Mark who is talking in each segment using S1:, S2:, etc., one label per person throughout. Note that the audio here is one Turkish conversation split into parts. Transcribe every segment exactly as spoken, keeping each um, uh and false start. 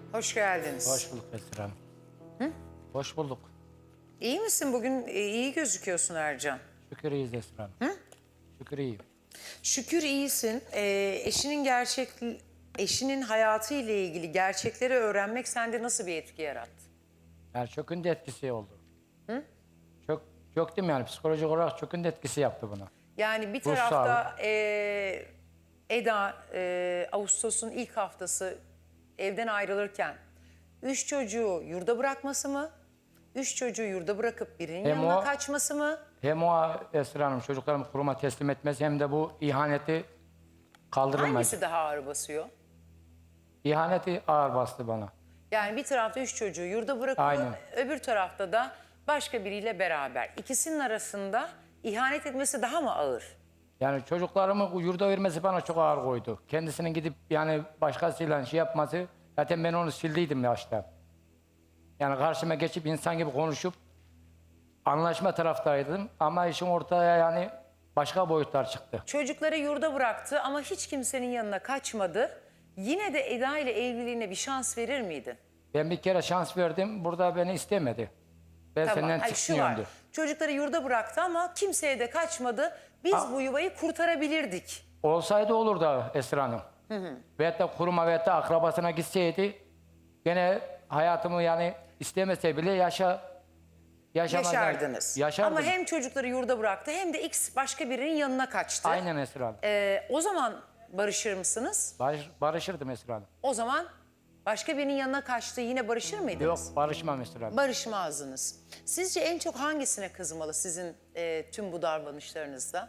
S1: Hoş geldiniz.
S2: Hoş bulduk Esra Hanım. Hı? Hoş bulduk.
S1: İyi misin? Bugün e, iyi gözüküyorsun Ercan.
S2: Şükür iyiyiz Esra Hanım. Hı? Şükür iyiyim.
S1: Şükür iyisin. Ee, eşinin gerçek, eşinin hayatı ile ilgili gerçekleri öğrenmek sende nasıl bir etki yarattı?
S2: Yani çökün de etkisi oldu. Hı? Çök, çöktüm yani psikolojik olarak çökün de etkisi yaptı buna.
S1: Yani bir
S2: Ruh
S1: tarafta e, Eda e, Ağustos'un ilk haftası evden ayrılırken üç çocuğu yurda bırakması mı? Üç çocuğu yurda bırakıp birinin
S2: Hem
S1: yanına
S2: o-
S1: kaçması mı?
S2: Hem o Esra Hanım çocuklarımı kuruma teslim etmesi hem de bu ihaneti kaldırılmaz.
S1: Hangisi daha ağır basıyor?
S2: İhaneti ağır bastı bana.
S1: Yani bir tarafta üç çocuğu yurda bırakıyor,
S2: Aynen.
S1: öbür tarafta da başka biriyle beraber. İkisinin arasında ihanet etmesi daha mı ağır?
S2: Yani çocuklarımı yurda vermesi bana çok ağır koydu. Kendisinin gidip yani başkasıyla şey yapması, zaten ben onu sildiydim yaşta. Yani karşıma geçip insan gibi konuşup anlaşma taraftaydım ama işin ortaya yani başka boyutlar çıktı.
S1: Çocukları yurda bıraktı ama hiç kimsenin yanına kaçmadı. Yine de Eda ile evliliğine bir şans verir miydin?
S2: Ben bir kere şans verdim, burada beni istemedi. Ben senden
S1: Hayır, şu
S2: çıkmıyorum
S1: var.
S2: diyor.
S1: Çocukları yurda bıraktı ama kimseye de kaçmadı. Biz
S2: Ha.
S1: bu yuvayı kurtarabilirdik.
S2: Olsaydı olurdu Esra Hanım. Hı hı. Veyahut da kuruma veyahut da akrabasına gitseydi gene hayatımı yani istemese bile yaşa yaşamaz.
S1: Yaşardınız.
S2: Yaşardım.
S1: Ama hem çocukları yurda bıraktı hem de X başka birinin yanına kaçtı.
S2: Aynen Esra Hanım.
S1: Ee, o zaman barışır mısınız?
S2: Barış, barışırdım Esra Hanım.
S1: O zaman başka birinin yanına kaçtı yine barışır mıydınız?
S2: Yok barışmam Esra Hanım.
S1: Barışmazdınız. Sizce en çok hangisine kızmalı sizin e, tüm bu davranışlarınızda?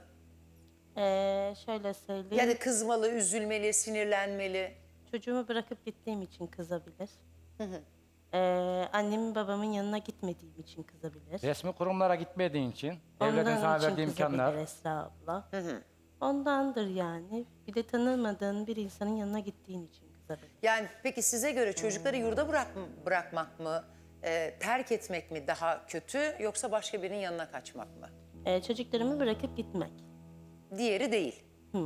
S3: Ee, şöyle söyleyeyim.
S1: Ya da kızmalı, üzülmeli, sinirlenmeli?
S3: Çocuğumu bırakıp gittiğim için kızabilir. Ee, annemin babamın yanına gitmediğim için kızabilir.
S2: Resmi kurumlara gitmediğin için, devletin
S3: Ondan
S2: sana
S3: için
S2: verdiği imkanlar.
S3: kızabilir Esra abla. Ondandır yani. Bir de tanımadığın bir insanın yanına gittiğin için kızabilir.
S1: Yani peki size göre çocukları yurda bırak, bırakmak mı, e, terk etmek mi daha kötü yoksa başka birinin yanına kaçmak mı?
S3: Ee, çocuklarımı bırakıp gitmek.
S1: Diğeri değil.
S3: Hı.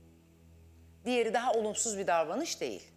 S1: Diğeri daha olumsuz bir davranış değil.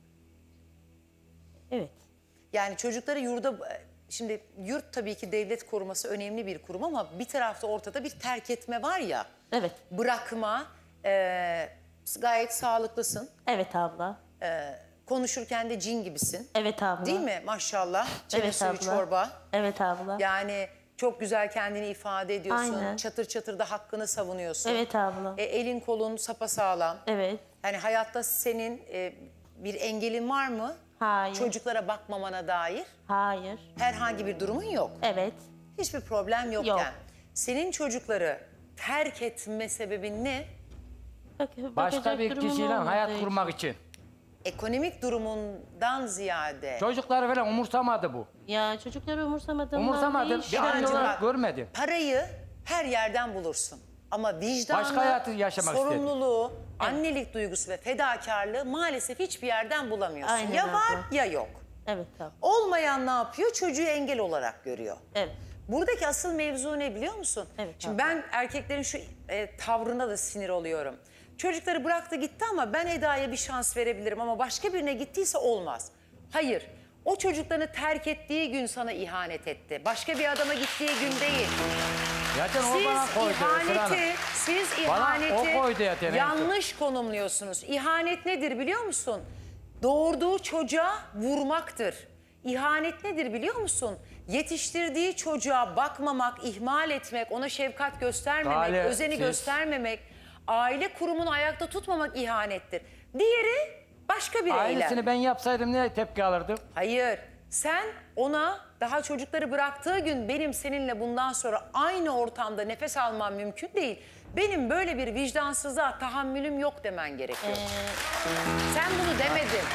S3: Evet.
S1: Yani çocukları yurda... Şimdi yurt tabii ki devlet koruması önemli bir kurum ama bir tarafta ortada bir terk etme var ya.
S3: Evet.
S1: Bırakma, e, gayet sağlıklısın.
S3: Evet abla.
S1: Konuşurken de cin gibisin.
S3: Evet abla.
S1: Değil mi maşallah? Çene
S3: Evet
S1: suyu
S3: abla.
S1: çorba.
S3: Evet abla.
S1: Yani çok güzel kendini ifade ediyorsun.
S3: Aynen.
S1: Çatır çatır da hakkını savunuyorsun.
S3: Evet abla.
S1: E, elin kolun sapasağlam.
S3: Evet.
S1: Yani hayatta senin e, bir engelin var mı?
S3: Hayır.
S1: Çocuklara bakmamana dair
S3: Hayır.
S1: herhangi bir durumun yok.
S3: Evet.
S1: Hiçbir problem yokken.
S3: Yok.
S1: Senin çocukları terk etme sebebin ne?
S3: Bak,
S2: Başka
S3: bakacak
S2: bir
S3: durumum
S2: kişiyle hayat
S3: olmadığı
S2: kurmak için.
S1: Ekonomik durumundan ziyade.
S2: Çocukları falan umursamadı bu.
S3: Ya çocukları umursamadığımdan
S2: Umursamadı.
S3: değil.
S2: Bir
S3: şu
S2: anne
S3: an-
S2: olarak görmedi.
S1: Parayı her yerden bulursun. Ama vicdanı,
S2: Başka hayatı yaşamak istedi.
S1: sorumluluğu, annelik duygusu ve fedakarlığı maalesef hiçbir yerden bulamıyorsun.
S3: Aynen
S1: ya
S3: abla.
S1: var ya yok.
S3: Evet abla.
S1: Olmayan ne yapıyor? Çocuğu engel olarak görüyor.
S3: Evet.
S1: Buradaki asıl mevzu ne biliyor musun?
S3: Evet,
S1: Şimdi
S3: abla.
S1: ben erkeklerin şu e, tavrına da sinir oluyorum. Çocukları bıraktı gitti ama ben Eda'ya bir şans verebilirim ama başka birine gittiyse olmaz. Hayır. O çocuklarını terk ettiği gün sana ihanet etti. Başka bir adama gittiği gün değil.
S2: Zaten o
S1: Siz
S2: bana koydu Esra Hanım.
S1: ihaneti, siz
S2: Bana
S1: ihaneti
S2: o koydu zaten, evet.
S1: yanlış konumluyorsunuz. İhanet nedir biliyor musun? Doğurduğu çocuğa vurmaktır. İhanet nedir biliyor musun? Yetiştirdiği çocuğa bakmamak, ihmal etmek, ona şefkat göstermemek,
S2: Gale,
S1: özeni
S2: siz-
S1: göstermemek, aile kurumunu ayakta tutmamak ihanettir. Diğeri başka bir eylem.
S2: Aynısını ben yapsaydım ne tepki alırdım?
S1: Hayır, sen ona daha çocukları bıraktığı gün benim seninle bundan sonra aynı ortamda nefes almam mümkün değil. Benim böyle bir vicdansızlığa tahammülüm yok demen gerekiyor. Sen bunu demedin.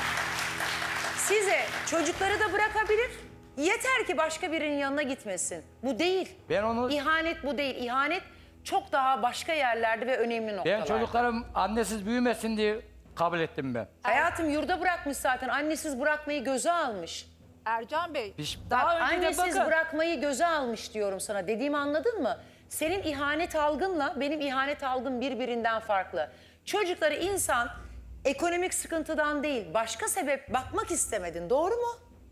S1: Size çocukları da bırakabilir. Yeter ki başka birinin yanına gitmesin. Bu değil.
S2: Ben onu-
S1: İhanet bu değil. İhanet çok daha başka yerlerde ve önemli noktalarda.
S2: Ben çocuklarım annesiz büyümesin diye kabul ettim ben.
S1: Hayatım yurda bırakmış zaten. Annesiz bırakmayı göze almış.
S4: Ercan Bey,
S2: Piş-
S4: daha
S1: Bak,
S4: önce de
S1: annesiz
S4: bakın.
S1: bırakmayı göze almış diyorum sana. Dediğimi anladın mı? Senin ihanet algınla benim ihanet algım birbirinden farklı. Çocukları insan ekonomik sıkıntıdan değil, başka sebep bakmak istemedin. Doğru mu?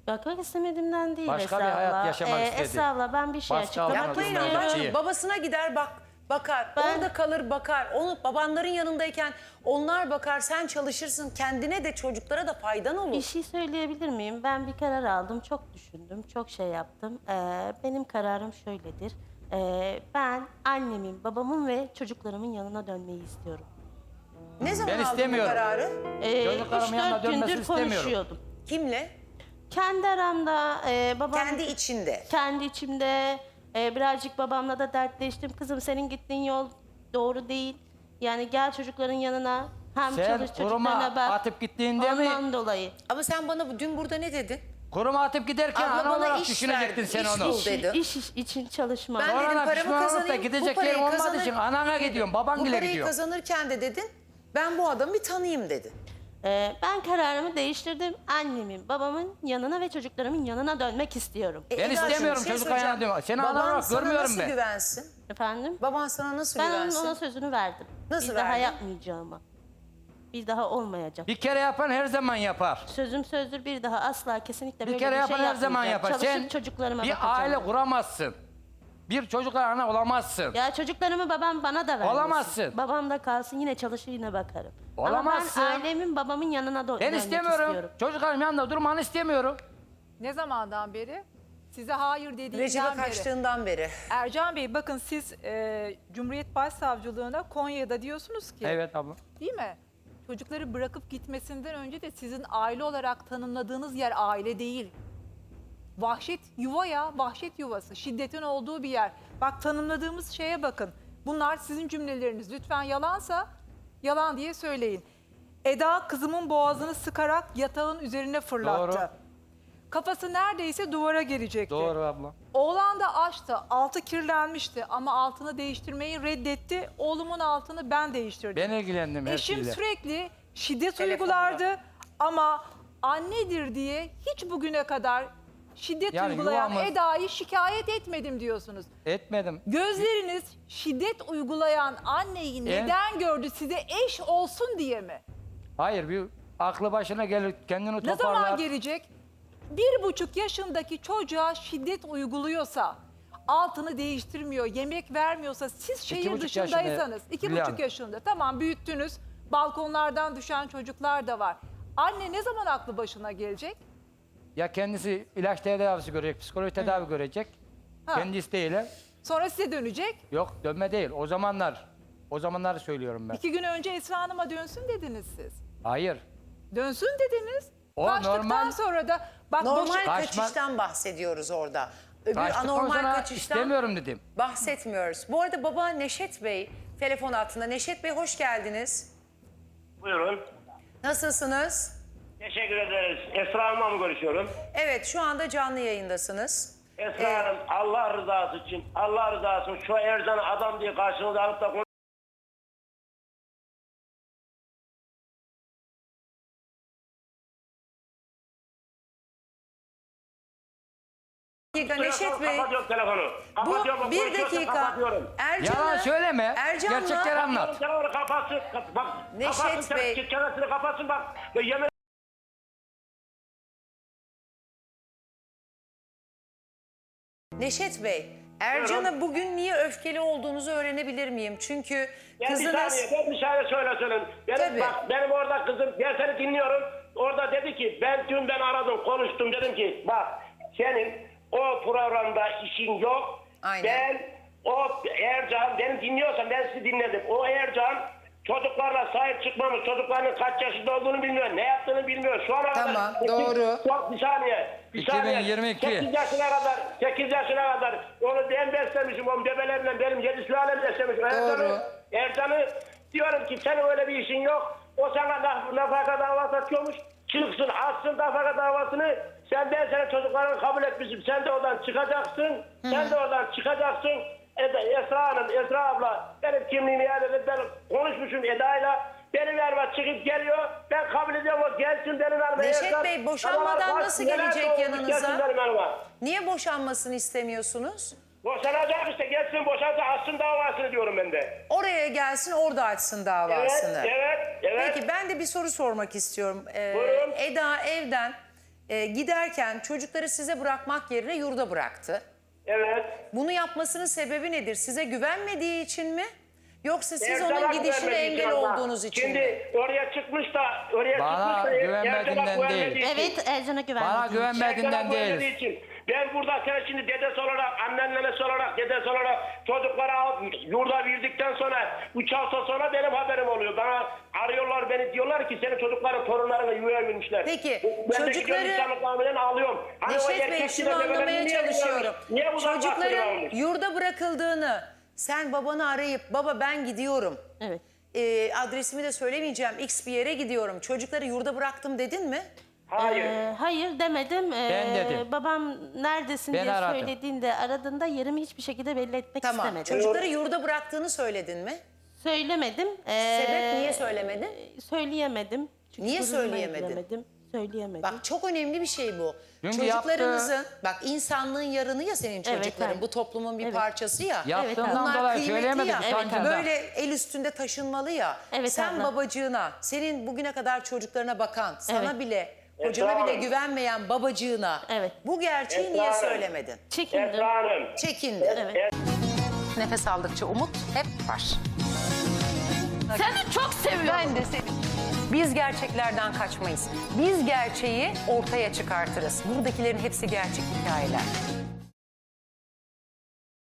S3: Bakmak istemediğimden değil
S2: Başka
S3: Esra
S2: bir hayat
S3: abla.
S2: yaşamak
S3: Ee,
S2: istedi.
S3: Esra abla ben bir şey
S2: Başka
S3: açıklamak
S2: hayat
S1: Yapmayın
S2: Anladım
S1: Allah
S2: ben.
S1: aşkına.
S2: İyi.
S1: Babasına gider bak bakar.
S3: Ben-
S1: Orada kalır bakar. Onu babanların yanındayken onlar bakar. Sen çalışırsın. Kendine de çocuklara da faydan olur.
S3: Bir şey söyleyebilir miyim? Ben bir karar aldım, çok düşündüm, çok şey yaptım. Ee, benim kararım şöyledir. Ee, ben annemin, babamın ve çocuklarımın yanına dönmeyi istiyorum.
S1: Ne zaman
S2: Ben
S1: aldın bu
S2: istemiyorum.
S1: kararı?
S3: Ee,
S2: Çocuklarımın
S3: üç
S2: yanına
S3: dört
S2: dönmesini
S3: gündür
S2: istemiyorum.
S3: konuşuyordum.
S1: Kimle?
S3: Kendi aramda e, babam...
S1: Kendi içinde.
S3: Kendi içimde e, birazcık babamla da dertleştim. Kızım senin gittiğin yol doğru değil. Yani gel çocukların yanına. Hem
S2: Sen
S3: çalış
S2: kuruma
S3: çocuklarına bak.
S2: atıp gittiğinde mi?
S3: Ondan dolayı.
S1: Ama sen bana bu- dün burada ne dedin?
S2: Kuruma atıp giderken
S1: Abla
S2: ana
S1: bana
S2: olarak
S1: iş
S2: düşünecektin
S1: verdi,
S2: sen
S1: iş
S2: onu.
S1: bul.
S3: İş,
S1: dedi.
S3: iş, iş için çalışma.
S1: Ben dedim
S2: Sonra
S1: paramı
S2: pişman olup da
S1: kazanayım.
S2: gidecek
S1: bu parayı
S2: yerim olmadığı
S1: kazanır-
S2: için anana gidiyorum, baban
S1: Bu
S2: bile
S1: parayı
S2: gidiyor.
S1: kazanırken de dedin ben bu adamı bir tanıyayım dedin.
S3: Ee, ben kararımı değiştirdim. Annemin, babamın yanına ve çocuklarımın yanına dönmek istiyorum.
S1: E,
S2: Ben
S1: Eda'cığım,
S2: istemiyorum
S1: bir şey
S2: çocuk ayağına
S1: soracağım.
S2: diyorum. Seni ana
S1: Baban
S2: olarak
S1: sana
S2: görmüyorum
S1: nasıl
S2: ben.
S1: güvensin?
S3: Efendim?
S1: Baban sana nasıl
S3: Ben onun
S1: güvensin?
S3: ona sözünü verdim.
S1: Nasıl
S3: bir daha
S1: verdin?
S3: yapmayacağıma. Bir daha olmayacak.
S2: Bir kere yapan her zaman yapar.
S3: Sözüm sözdür, bir daha asla kesinlikle
S2: Bir
S3: böyle
S2: kere
S3: bir
S2: yapan
S3: şey
S2: her zaman
S3: yapmayacağım.
S2: yapar.
S3: Çalışıp
S2: Sen
S3: çocuklarıma
S2: bir
S3: bakacağım.
S2: aile kuramazsın. Bir çocukla ana olamazsın.
S3: Ya çocuklarımı babam bana da vermesin.
S2: Olamazsın.
S3: Babam da kalsın, yine çalışır yine bakarım.
S2: Olamazsın.
S3: Ama ben ailemin, babamın yanına do-
S2: Ben
S3: dönmek
S2: istemiyorum.
S3: istiyorum.
S2: Çocuklarım yanında durmanı istemiyorum.
S4: Ne zamandan beri? Size hayır dediğimden
S1: Recep'e
S4: beri.
S1: kaçtığından beri.
S4: Ercan Bey bakın siz e, Cumhuriyet Başsavcılığına Konya'da diyorsunuz ki
S2: Evet abla.
S4: değil mi? Çocukları bırakıp gitmesinden önce de sizin aile olarak tanımladığınız yer aile değil. Vahşet yuva ya, vahşet yuvası, şiddetin olduğu bir yer. Bak tanımladığımız şeye bakın. Bunlar sizin cümleleriniz. Lütfen yalansa yalan diye söyleyin. Eda kızımın boğazını sıkarak yatağın üzerine fırlattı.
S2: Doğru.
S4: Kafası neredeyse duvara gelecekti.
S2: Doğru abla.
S4: Oğlan da açtı. Altı kirlenmişti ama altını değiştirmeyi reddetti. Oğlumun altını ben değiştirdim.
S2: Ben ilgilendim her
S4: Eşim
S2: şeyle.
S4: sürekli şiddet
S1: Telefonda.
S4: uygulardı ama annedir diye hiç bugüne kadar şiddet
S2: Yani
S4: uygulayan
S2: yuvamız-
S4: Eda'yı şikayet etmedim diyorsunuz.
S2: Etmedim.
S4: Gözleriniz şiddet uygulayan anneyi neden gördü? Size eş olsun diye mi?
S2: Hayır, bir aklı başına gelir, kendini
S4: Ne
S2: toparlar.
S4: zaman gelecek? Bir buçuk yaşındaki çocuğa şiddet uyguluyorsa, altını değiştirmiyor, yemek vermiyorsa, siz şehir
S2: buçuk
S4: dışındaysanız,
S2: yaşında,
S4: iki
S2: Hülya
S4: buçuk
S2: Hanım.
S4: yaşında, tamam büyüttünüz, balkonlardan düşen çocuklar da var. Anne ne zaman aklı başına gelecek?
S2: Ya kendisi ilaç tedavisi görecek, psikolojik tedavi görecek.
S4: Ha.
S2: Kendi isteğiyle.
S4: Sonra size dönecek.
S2: Yok, dönme değil. O zamanlar, o zamanları söylüyorum ben.
S4: İki gün önce Esra Hanım'a dönsün dediniz siz.
S2: Hayır.
S4: Dönsün dediniz.
S2: O
S4: Kaçtıktan
S2: normal-
S4: sonra da bak
S1: Normal
S4: boşu-
S2: Kaçma-
S1: kaçıştan bahsediyoruz orada. Öbür
S2: Kaçtıktan
S1: anormal
S2: sonra
S1: kaçıştan
S2: istemiyorum dedim.
S1: bahsetmiyoruz. Bu arada baba Neşet Bey telefon hattında. Neşet Bey hoş geldiniz.
S5: Buyurun.
S1: Nasılsınız?
S5: Teşekkür ederiz. Esra Hanım'la mı görüşüyorum?
S1: Evet şu anda canlı yayındasınız.
S5: Esra
S1: Ee,
S5: Hanım Allah rızası için, Allah rızası için şu Ercan'ı adam diye karşınıza alıp da konuş-
S1: Bir dakika Neşet Bey.
S5: Kapatıyorum telefonu. Kapatıyorum.
S1: Bu bir
S5: konuşuyorsa
S1: dakika.
S5: kapatıyorum.
S1: Ercan'ı,
S2: Yalan söyleme.
S1: Ercan'la-
S2: Gerçekleri anlat.
S5: Telefonu kapatsın. Kap- Bak,
S1: Neşet
S5: kapatsın,
S1: Bey.
S5: çene- Çenesini kapatsın bak. Ya Yemin
S1: Neşet Bey, Ercan'a bugün niye öfkeli olduğunuzu öğrenebilir miyim? Çünkü
S5: Ben bir
S1: kızınız...
S5: saniye, ben bir saniye söyle söyleyeyim. Benim,
S1: Tabii.
S5: bak, benim orada kızım, ben seni dinliyorum. Orada dedi ki, ben dün ben aradım, konuştum. Dedim ki, bak senin o programda işin yok.
S1: Aynen.
S5: Ben, o Ercan, beni dinliyorsan ben sizi dinledim. O Ercan çocuklarla sahip çıkmamış, çocukların kaç yaşında olduğunu bilmiyor, ne yaptığını bilmiyor. Şu ana
S1: Tamam,
S5: kadar...
S1: doğru.
S5: Çok, bir saniye, bir
S2: iki bin
S5: saniye.
S2: yirmi iki.
S5: sekiz yaşına kadar, sekiz yaşına kadar onu ben beslemişim, onun bebelerimle benim yedi sülalem beslemişim. Ercan'ı, Ercan'ı diyorum ki senin öyle bir işin yok. O sana naf nafaka davası atıyormuş. Çıksın, atsın nafaka davasını. Sen ben senin çocuklarını kabul etmişim. Sen de oradan çıkacaksın. Hı. Sen de oradan çıkacaksın. Eda, Esra Hanım, Esra abla benim kimliğimi iade edip ben konuşmuşum Eda'yla. Benim yanıma çıkıp geliyor. Ben kabul ediyorum o gelsin benim yanıma.
S1: Neşet
S5: Ercan,
S1: Bey, boşanmadan
S5: sabahlar
S1: nasıl
S5: neler
S1: gelecek
S5: doğmuş,
S1: yanınıza?
S5: gelsin benim yanıma.
S1: Niye boşanmasını istemiyorsunuz?
S5: Boşanacak işte gelsin boşansa açsın davasını diyorum ben de.
S1: Oraya gelsin, orada açsın davasını.
S5: Evet, evet, evet.
S1: Peki ben de bir soru sormak istiyorum. Ee,
S5: Buyurun.
S1: Eda evden e, giderken çocukları size bırakmak yerine yurda bıraktı.
S5: Evet.
S1: Bunu yapmasının sebebi nedir? Size güvenmediği için mi? Yoksa siz
S5: Erdoğan
S1: onun gidişine
S5: güvenmediği
S1: engel
S5: için ama.
S1: olduğunuz için
S5: Şimdi
S1: mi?
S5: oraya çıkmış da oraya
S2: Bana
S5: çıkmış da
S2: güvenmediğinden
S5: Erdoğan
S2: değil.
S5: güvenmediği için.
S3: Evet, Ercan'a güvenmediğim
S2: Bana
S3: için.
S2: güvenmediğinden
S5: Erdoğan güvenmediği
S2: değil.
S5: için. Ben burada sen şimdi dedesi olarak, annenlesi olarak, dedesi olarak çocukları alıp yurda verdikten sonra üç hafta sonra benim haberim oluyor. Bana arıyorlar beni, diyorlar ki senin çocukların torunlarına yuvaya vermişler.
S1: Peki,
S5: ben
S1: çocukları-
S5: de gidiyorum insanlık muameleden ağlıyorum. Hani o
S1: Neşet Bey
S5: erkek
S1: şunu
S5: bile
S1: anlamaya
S5: bebelerini niye
S1: çalışıyorum.
S5: vermiş? Niye bu zaman
S1: Çocukların
S5: bahsediyormuş?
S1: yurda bırakıldığını sen babanı arayıp baba ben gidiyorum.
S3: Evet.
S1: Ee, adresimi de söylemeyeceğim. X bir yere gidiyorum. Çocukları yurda bıraktım dedin mi?
S5: Hayır.
S3: Ee, hayır demedim. Ee,
S2: Ben dedim.
S3: Babam neredesin
S2: Ben
S3: diye
S2: aradım.
S3: söylediğinde, aradığında yerimi hiçbir şekilde belli etmek
S1: Tamam.
S3: istemedim.
S1: Çocukları yurda bıraktığını söyledin mi?
S3: Söylemedim. Ee,
S1: Sebep niye söylemedin?
S3: Söyleyemedim. Çünkü
S1: Niye
S3: gururuma
S1: söyleyemedin?
S3: yediremedim. Söyleyemedim.
S1: Bak çok önemli bir şey bu.
S2: Çünkü
S1: Çocuklarınızın, bak insanlığın yarını ya senin
S3: Evet,
S1: çocukların.
S3: evet.
S1: Bu toplumun bir
S3: Evet.
S1: parçası ya.
S2: Yaptığımdan
S1: Bunlar
S2: dolayı
S1: kıymetli
S2: söyleyemedim
S1: ya.
S2: utancından.
S1: Böyle el üstünde taşınmalı ya.
S3: Evet,
S1: Sen
S3: abla.
S1: babacığına, senin bugüne kadar çocuklarına bakan, sana
S3: Evet.
S1: bile, kocana
S5: Esra
S1: bile
S5: Hanım.
S1: güvenmeyen babacığına
S3: Evet.
S1: bu gerçeği
S5: Esra
S1: niye
S5: Hanım.
S1: söylemedin?
S3: Çekindim.
S5: Esra Hanım.
S1: Çekindi.
S3: Evet.
S1: Nefes aldıkça umut hep var.
S3: Seni çok seviyorum.
S1: Ben de seni. Biz gerçeklerden kaçmayız. Biz gerçeği ortaya çıkartırız. Buradakilerin hepsi gerçek hikayeler.